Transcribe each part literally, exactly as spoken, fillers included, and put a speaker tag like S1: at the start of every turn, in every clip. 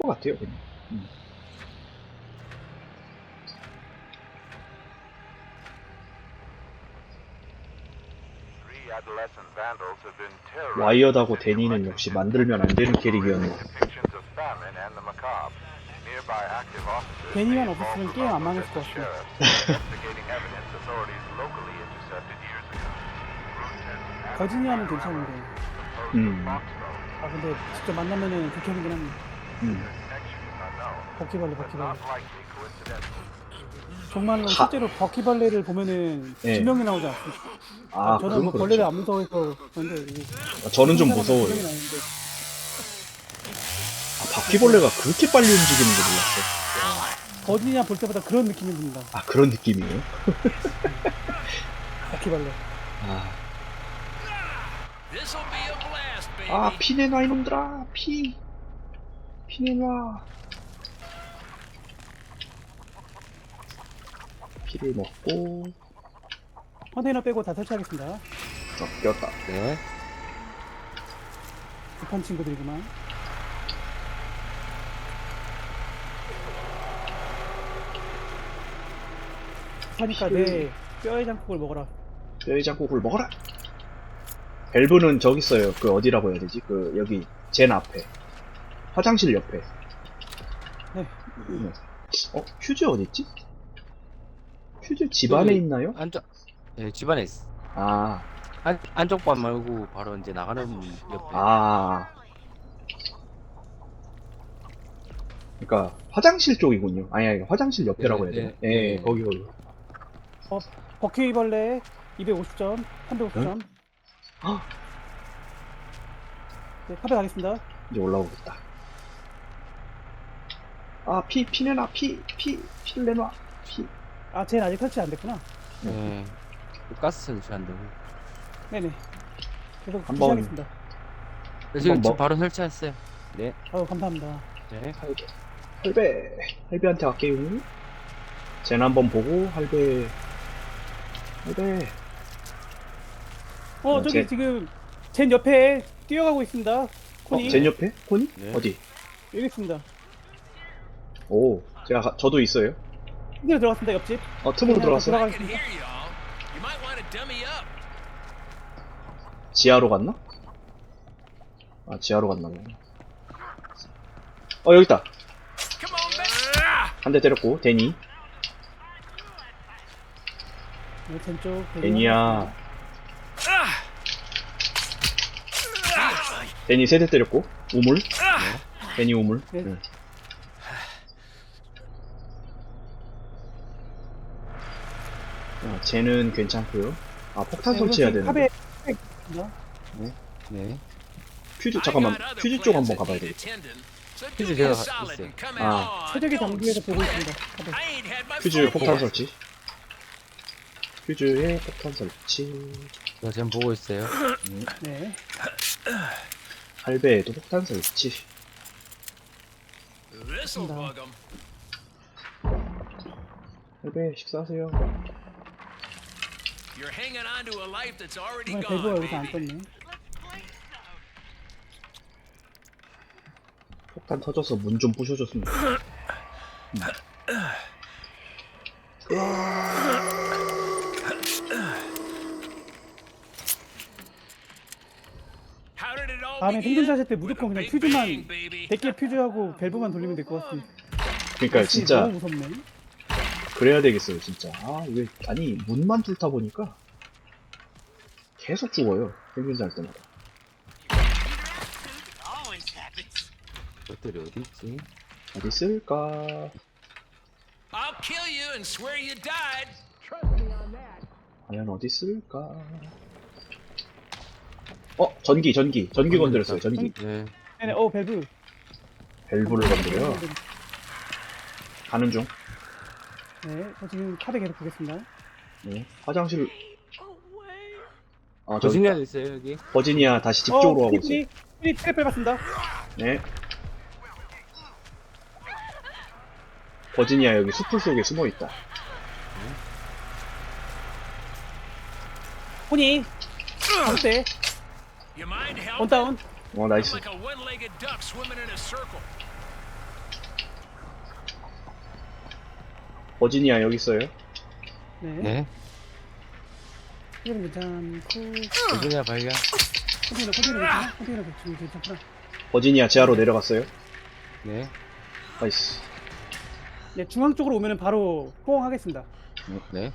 S1: 것 같아요, 그냥. 음. 와이어드하고 데니는 역시 만들면 안 되는 캐릭이었네.
S2: 데니만 없었으면 게임 안 망했을 것 같아. 버지니아는 괜찮은데.
S1: 음.
S2: 아 근데 직접 만나면은 극혐이긴 합니다.
S1: 음.
S2: 버키벌레 버키벌레. 정말로
S1: 하-
S2: 실제로 버키벌레를 보면은
S1: 예.
S2: 지명이 나오지 않습니까?
S1: 아,
S2: 저는
S1: 그건
S2: 뭐
S1: 그렇죠.
S2: 벌레를 안 무서워해서 그런데 이게
S1: 아, 저는 좀
S2: 사람은
S1: 무서워요.
S2: 지명이 나오는데
S1: 아, 바퀴벌레가 그렇게 빨리 움직이는 줄 몰랐어.
S2: 버지니아 볼 때마다 그런 느낌이 듭니다.
S1: 아, 그런 느낌이에요?
S2: 버키벌레.
S1: 아, 아 피 내놔 이놈들아. 피. 피 내놔. 피를 먹고.
S2: 컨테이너 빼고 다 설치하겠습니다.
S1: 어, 꼈다.
S3: 네.
S2: 급한 친구들이구만. 하니까 내 뼈의 장국을 먹어라.
S1: 뼈의 장국을 먹어라. 밸브는 저기 있어요. 그 어디라고 해야 되지? 그 여기 젠 앞에. 화장실 옆에.
S2: 네.
S1: 네. 어, 퓨즈 어디 있지? 퓨즈 집 안에 있나요?
S3: 안쪽, 예, 집안에 있어.
S1: 아,
S3: 안, 안쪽 반 말고 바로 이제 나가는 옆에.
S1: 아. 그러니까 화장실 쪽이군요. 아니, 아니 화장실 옆에라고
S3: 네,
S1: 해야 되나?
S3: 네,
S1: 예,
S3: 네.
S1: 거기 거기.
S2: 어, 버키벌레 이백오십 점, 삼백오십 점.
S1: 헉!
S2: 네, 카페 가겠습니다.
S1: 이제 올라오겠다. 아, 피, 피 내놔, 피, 피, 피를 내놔, 피.
S2: 아, 쟤는 아직 설치 안 됐구나.
S3: 예. 그 가스 설치 안 되고.
S2: 네네. 계속
S1: 한번-
S2: 주시하겠습니다.
S3: 그래서 지금,
S1: 뭐-
S3: 지금 바로 설치했어요. 네.
S2: 아유, 감사합니다.
S3: 네.
S1: 할배. 할배. 할배한테 갈게요. 젠 한번 보고, 할배. 할배.
S2: 어,
S1: 어,
S2: 저기
S1: 쟤-
S2: 지금 젠 옆에 뛰어가고 있습니다.
S1: 어,
S2: 코니.
S1: 젠 옆에? 코니?
S3: 네.
S1: 어디?
S2: 여기 있습니다.
S1: 오, 제가, 가- 저도 있어요.
S2: 층으로 들어갔습니다, 옆집.
S1: 어, 틈으로 들어갔어.
S2: 들어가겠습니다.
S1: 지하로 갔나? 아, 지하로 갔나 보네. 어, 여기 있다. 한 대 때렸고, 데니.
S2: 네, 젠 쪽.
S1: 데니야. 데니 세 대 때렸고, 우물. 데니 우물.
S2: 네.
S1: 응. 어, 쟤는 괜찮고요. 아, 폭탄 설치해야 되는데.
S2: 카페 있습니다.
S3: 네.
S1: 퓨즈, 잠깐만. 퓨즈 쪽 한번 가봐야 되겠다.
S3: 퓨즈 제가 있어요.
S1: 아.
S2: 최적의 장비에서 보고 있습니다. 카페.
S1: 퓨즈 폭탄 설치. 퓨즈에 폭탄 설치.
S3: 저 지금 보고 있어요.
S2: 네.
S1: 할배에도 폭탄 설치. 할배, 식사하세요.
S2: 정말 대구가 여기서 안 떴네.
S1: 폭탄 터져서 문 좀 부셔줬으면 좋겠다. 음.
S2: 다음에 생존자 하실 때 무조건 그냥 퓨즈만 백 개 퓨즈하고 밸브만 돌리면 될 것 같습니다.
S1: 그러니까 진짜
S2: 너무 무섭네.
S1: 그래야 되겠어요, 진짜. 아, 이게, 아니, 문만 뚫다 보니까 계속 죽어요. 생존자 할 때마다.
S3: 것들이 어디 있지?
S1: 어디 있을까? 과연 어디 있을까? 어, 전기, 전기. 전기 건드렸어요, 전기.
S3: 네.
S2: 네네, 어, 밸브.
S1: 밸브를 건드려. 가는 중.
S2: 네, 저 지금 카페 계속 보겠습니다.
S1: 네. 화장실. 아, 저기
S3: 버지니아도 있어요, 여기.
S1: 버지니아 다시 집 쪽으로 가고 있어요.
S2: 퓨리, 퓨리 트랩 밟았습니다.
S1: 네. 버지니아 여기 숲풀 속에 숨어 있다.
S2: 코니. 어때? 원다운.
S1: 어, 나이스. 버지니아 여기 있어요.
S2: 네.
S3: 네.
S2: 컨테이너 괜찮고.
S3: 버지니아 발견.
S2: 컨테이너, 컨테이너 괜찮아? 컨테이너 지금 괜찮구나.
S1: 버지니아 지하로 내려갔어요.
S3: 네.
S1: 나이스.
S2: 네, 중앙 쪽으로 오면은 바로 포옹하겠습니다.
S3: 네.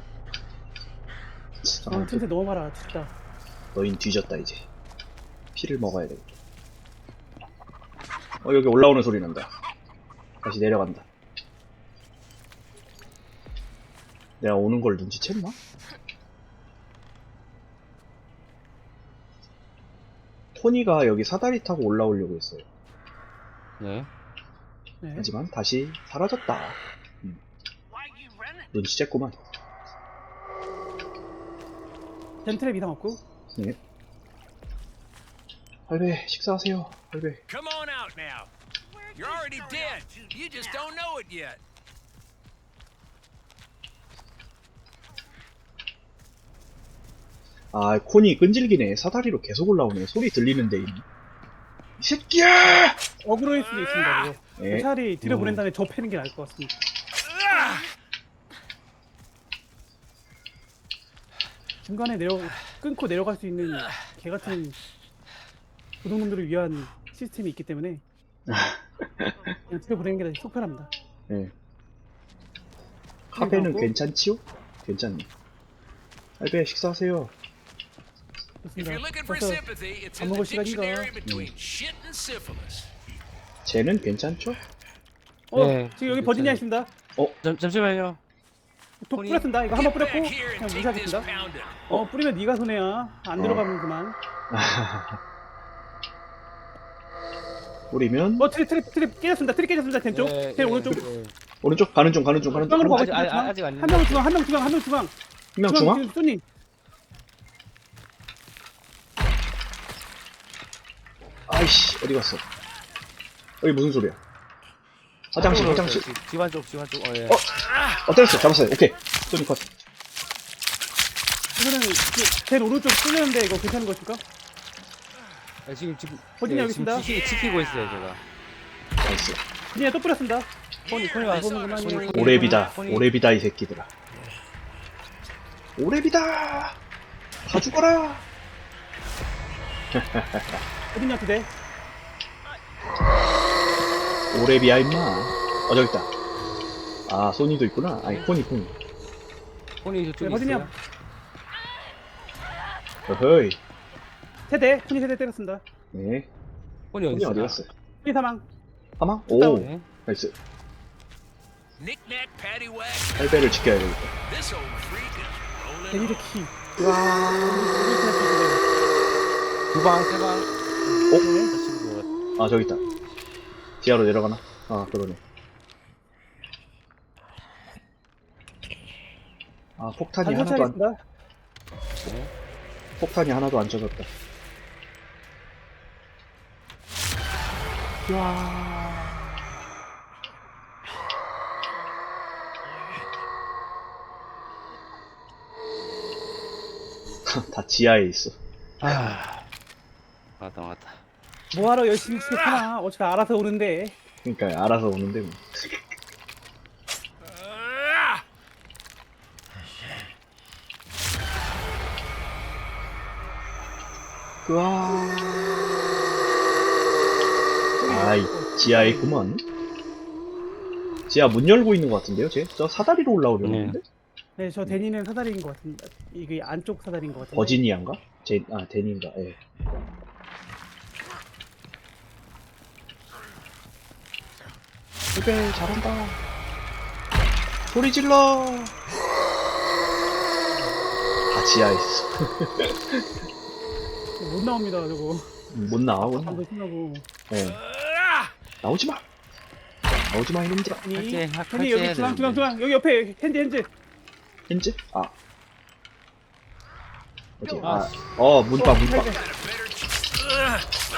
S2: 중앙
S1: 아,
S2: 틈새 넘어가라, 진짜.
S1: 너흰 뒤졌다 이제. 피를 먹어야 돼. 어 여기 올라오는 소리 난다. 다시 내려간다. 내가 오는 걸 눈치챘나? 토니가 여기 사다리 타고 올라오려고 했어요.
S3: 네.
S2: 네.
S1: 하지만 다시 사라졌다. 음. 눈치챘구만.
S2: 젠트랩 이상 없고.
S1: 네. 할배 식사하세요. 할배.
S4: Come on out now. You're already dead. You just don't know it yet.
S1: 아 콘이 끈질기네. 사다리로 계속 올라오네. 소리 들리는데 이 새끼야!
S2: 어그로일 수도 있습니다, 이거.
S1: 네.
S2: 차라리 들여보낸 다음에 저 패는 게 나을 것 같습니다. 중간에 내려 끊고 내려갈 수 있는 개 같은 도둑놈들을 위한 시스템이 있기 때문에 그냥 들여보내는 게 속 편합니다.
S1: 네. 카페는
S2: 하고.
S1: 괜찮지요? 괜찮네. 할배 식사하세요.
S4: If
S2: 좋습니다.
S4: you're looking for
S2: 벌써
S4: sympathy, it's
S2: 밥
S4: in the
S2: 먹을 시간인가?
S4: dictionary between shit and syphilis.
S1: 쟤는 괜찮죠?
S2: 어,
S3: 네,
S2: 지금 여기
S3: 괜찮아요.
S2: 버지니아 있습니다.
S3: 잠, 잠시만요.
S2: 독
S3: 손이-
S2: 뿌렸습니다. 이거 한번 뿌렸고
S4: Back here
S2: 그냥
S4: and take this
S2: 무시하겠습니다.
S4: pounding.
S2: 어, 뿌리면 네가 손해야. 안
S1: 어.
S2: 들어가면 그만.
S1: 우리면
S2: 어, 트립 트립 트립 깨졌습니다. 트립 깨졌습니다. 왼쪽.
S3: 네,
S2: 제 오른쪽.
S3: 네.
S1: 오른쪽 가는 중 가는 중 가는 중.
S2: 중앙으로
S1: 한
S2: 가고
S3: 아직,
S2: 있습니다.
S3: 아, 아직 안
S2: 한 명은 중앙, 한 명 중앙, 한 명 중앙.
S1: 명 중앙?
S2: 지금 쏘님.
S1: 아이씨 어디 갔어? 여기 무슨 소리야? 화장실 화장실.
S3: 집- 집안 쪽, 집안 쪽. 어, 예.
S1: 어? 어 때렸어 잡았어요. 오케이. 소니 컷.
S2: 이거는 그, 제일 오른쪽 뚫렸는데 이거 괜찮은 것일까?
S3: 네, 지금 지금
S2: 버지니아
S3: 네,
S2: 여기
S3: 지금
S2: 있습니다.
S3: 지키, 지키고 있어요, 제가.
S1: 나이스.
S2: 그냥 또 뿌렸습니다.
S3: 손이 손이
S2: 안
S3: 왔어.
S2: 보는구만요.
S3: 손이-
S1: 오래비다.
S3: 손이-
S1: 오래비다 이 새끼들아. 오래비다. 다 죽어라.
S2: 어디냐 그대?
S1: 오래비야 임마. 어 저기 있다. 아 소니도 있구나. 아니 코니 코니.
S3: 손이 저쪽에
S2: 네, 버지니아.
S3: 있어요.
S1: 어허이.
S2: 세대, 푸니 세대 때렸습니다.
S1: 네.
S3: 손이 어디
S1: 코니 어디
S3: 있어요?
S1: 갔어요?
S2: 푸니 사망.
S1: 하마? 오.
S3: 네.
S1: 나이스.
S4: Knick-knack, paddywhack.
S1: 할배를 지켜야 되겠다.
S4: This old freak is rolling.
S2: 데니드 키.
S3: 두 방, 세 방.
S1: 어?
S3: 네.
S1: 아 저기 있다. 지하로 내려가나? 아 그러네. 아 폭탄이
S2: 단
S1: 하나도 안
S2: 설치하겠습니다.
S1: 폭탄이 하나도 안 젖었다. 다 지하에 있어.
S3: 아, 맞다, 맞다.
S2: 뭐하러 열심히 치겠구나. 어차피 알아서 오는데.
S1: 그러니까 알아서 오는데 뭐.
S4: Ah!
S1: 으아. 아이 지하에 있구먼. 지하 문 열고 있는 것 같은데요, 쟤? 저 사다리로 올라오려고
S3: 네.
S1: 했는데?
S2: 네, 저 데니는 사다리인 것 같습니다. 이게 안쪽 사다리인 것 같은데.
S1: 버지니아인가? 제, 아, 데니인가, 예. 할배 잘한다. 소리 질러. 다 지하에 있어.
S2: 못 나옵니다, 저거.
S1: 못 나와, 못 나와.
S2: 방금 신나고.
S1: 예.
S4: Ah!
S1: 나오지 마. 나오지 마, 이놈들아.
S2: 아니,
S3: 할게, 할-
S2: 아니
S3: 할게
S2: 여기
S3: 해야
S2: 중앙, 중앙,
S3: 되는데.
S2: 중앙. 여기 옆에 핸즈, 핸즈.
S1: 현재? 아. 어디?
S3: 아,
S1: 아, 어, 문방, 문방.
S4: Got a better ch-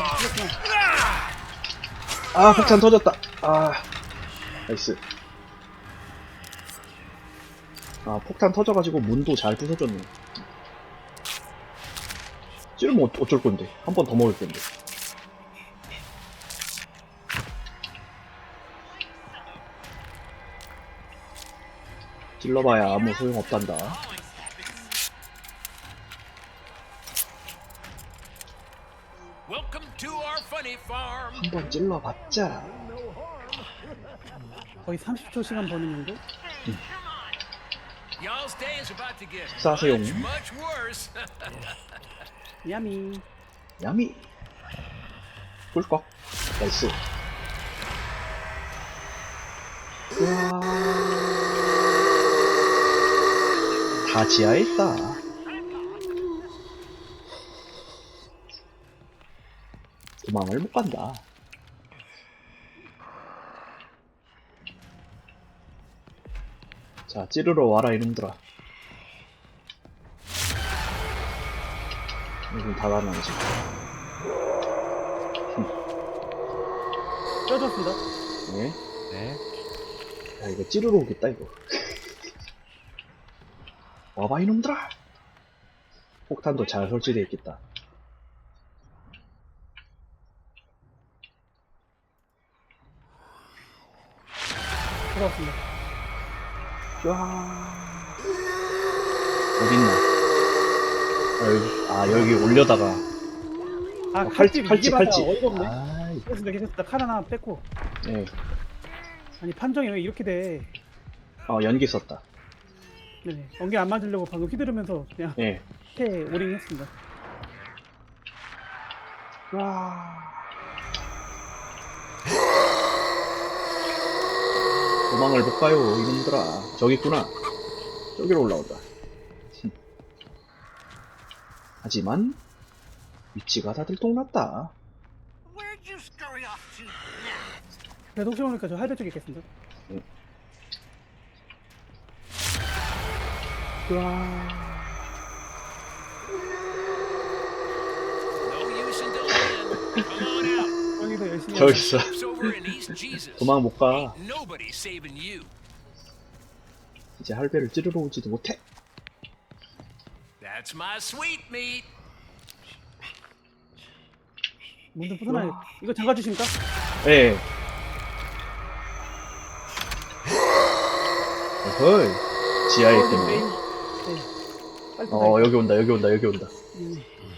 S1: 아, 폭탄 터졌다. 아, 나이스. 아, 폭탄 터져가지고 문도 잘 부서졌네. 찌르면 어- 어쩔 건데. 한 번 더 먹을 건데. 찔러봐야 아무 소용없단다.
S4: Welcome to our funny farm.
S1: 한번 찔러봤자.
S2: 거의 삼십 초 시간 버는 정도?
S4: Y'all's day is about to get
S1: 식사하세요.
S4: much, much worse.
S2: 야미.
S1: 야미. 꿀꺽. 나이스. 우와. 다 지하에 있다. 도망을 못 간다. 자, 찌르러 와라 이놈들아. 여기 다 가능하지.
S2: 쪄줬습니다.
S1: 네.
S3: 네.
S1: 야, 이거 찌르러 오겠다 이거. 와봐 이놈들아. 폭탄도 잘 설치되어 있겠다.
S2: 돌아왔습니다.
S1: 와. 어딨나? 아 여기, 아 여기 올려다가
S2: 아,
S1: 어, 칼집
S2: 칼집
S1: 칼집
S2: 이게 맞아.
S1: 칼집.
S2: 어이가 없네.
S1: 아이,
S2: 괜찮습니다, 괜찮습니다. 칼 하나 뺐고.
S1: 네.
S2: 아니, 판정이 왜 이렇게 돼?
S1: 어 연기 썼다.
S2: 네네. 연기 안 맞으려고 방금 휘두르면서 그냥
S1: 예.
S2: 패 오링 했습니다.
S1: 와. 도망을 못 가요 이놈들아. 저기 있구나. 저기로 올라온다. 흠. 하지만 위치가 다들 똥났다.
S5: Where'd you scurry off to now?
S2: 그래도 혹시 모르니까 저 하이드 쪽에 있겠습니다.
S1: 와.
S4: No use in delaying. Come on out.
S2: 여기서 열심히
S1: 저기
S2: 하자.
S1: 있어.
S4: Troops over in East Jesus.
S1: 도망 못 가.
S4: Ain't nobody saving you.
S1: 이제 할배를 찌르러 오지도 못해.
S4: That's my sweet meat.
S2: 문좀 부숴놔야 이거 잠가주십니까?
S1: 예. 어허이. 지하에
S2: 메인.
S1: 있겠네.
S2: 네. 빨리
S1: 어,
S2: 부숴야
S1: 여기 온다, 여기 온다, 여기 온다.
S2: 음.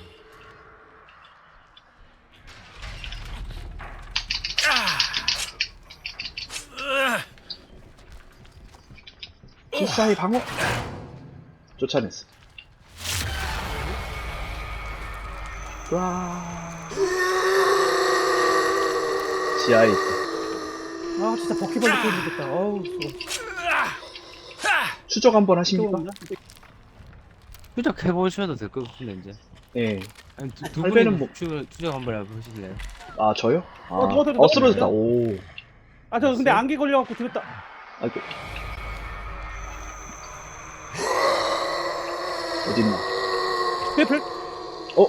S1: 필사의 방어! 쫓아냈어. 와. 지하에 있다.
S2: 아, 진짜 버킷벌리 보여주겠다. 어우, 좋아.
S1: 추적 한번 하십니까?
S2: 없나?
S3: 추적해보셔도 될 것 같은데, 이제.
S1: 예.
S3: 아니, 두, 두
S1: 할배는
S3: 분이
S1: 뭐-
S3: 추적, 추적 한번 해보실래요?
S1: 아, 저요? 아,
S2: 어, 누가 들었다.
S1: 어, 쓰러졌다. 오.
S2: 아, 저 근데 안개 걸려갖고 들었다.
S1: 아이고. 어딨나?
S2: 페플?
S1: 어?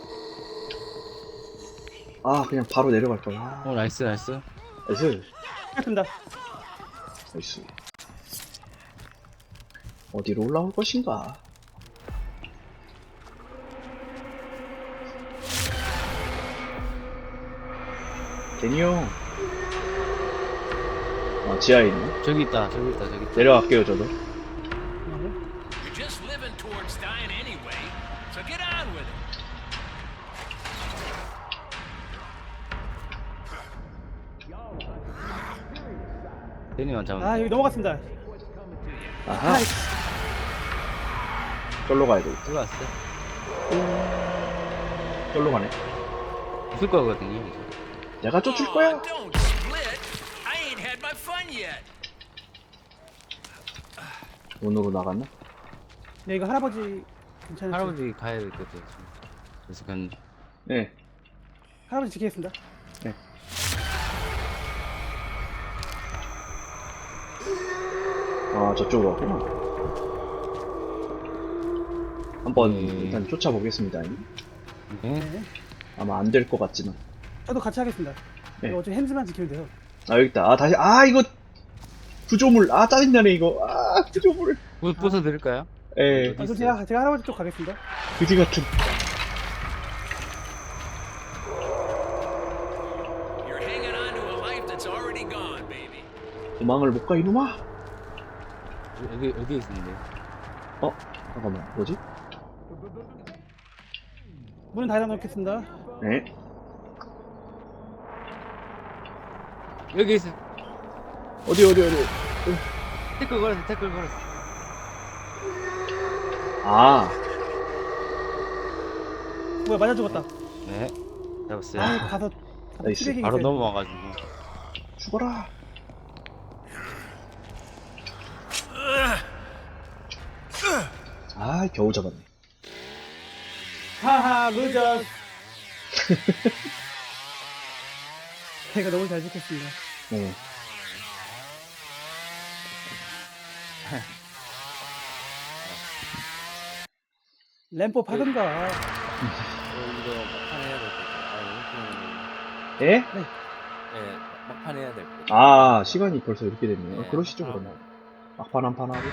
S1: 아, 그냥 바로 내려갈 거야. 아,
S3: 어, 나이스, 나이스.
S1: 나이스.
S2: 했습니다.
S1: 나이스. 어디로 올라올 것인가? 데니 형. 아, 지하에 있네.
S3: 저기 있다, 저기 있다, 저기 있다.
S1: 내려갈게요, 저도.
S4: You're just living towards dying anyway, so get on with it.
S3: 데니만 잡으면
S2: 아, 여기 넘어갔습니다.
S1: 아하.
S2: 아이,
S1: 절로 가야 돼.
S3: 들어왔어.
S1: 절로 가네.
S3: 없을 거거든요, 이제.
S1: 내가 쫓을
S4: Aw,
S1: 거야.
S4: don't split. I ain't had my fun yet.
S1: 문으로 나갔나?
S2: 네, 이거 할아버지 괜찮으세요?
S3: 할아버지 가야 될 것 같아요, 지금. 그래서 그냥,
S1: 네.
S2: 할아버지 지키겠습니다.
S1: 아, 저쪽으로 왔구나. 한번
S3: 음.
S1: 일단 쫓아보겠습니다.
S3: 네.
S2: 네.
S1: 아마 안 될 것 같지만.
S2: 저도 같이 하겠습니다.
S1: 네.
S2: 이거 어차피 핸즈만 지키면 돼요.
S1: 아, 여기 있다. 아, 다시, 아, 이거, 구조물. 아, 짜증나네, 이거. 아, 구조물.
S3: 부, 부숴드릴까요?
S1: 예,
S2: 아, 그럼 제가, 제가 할아버지 쪽 가겠습니다.
S1: 그지 같은.
S4: You're hanging on to a life that's already gone, baby.
S1: 도망을 못 가, 이놈아.
S3: 여기 어디에 있는데?
S1: 어? 잠깐만, 뭐지?
S2: 문은 닫아놓겠습니다.
S1: 네.
S3: 여기 있어.
S1: 어디, 어디, 어디.
S3: 태클 걸었어, 태클 걸었어.
S1: 아,
S2: 뭐야 맞아 죽었다.
S3: 네. 잡았어요.
S2: 아 가서
S1: 나이스.
S2: 시래기
S3: 바로
S2: 있어요.
S3: 넘어와가지고.
S1: 죽어라. 아, 겨우 잡았네.
S2: 하하 루저. 제가 너무 잘 지켰습니다.
S1: 네.
S2: 램프 파든가.
S3: 어, 이거 막판 해야 될 것 같아. 아,
S1: 예?
S3: 네, 막판 해야 될 것 같아.
S1: 아, 시간이 벌써 이렇게 됐네요.
S3: 네,
S1: 그러시죠,
S3: 막판
S1: 그러면. 막판 한 판 하고.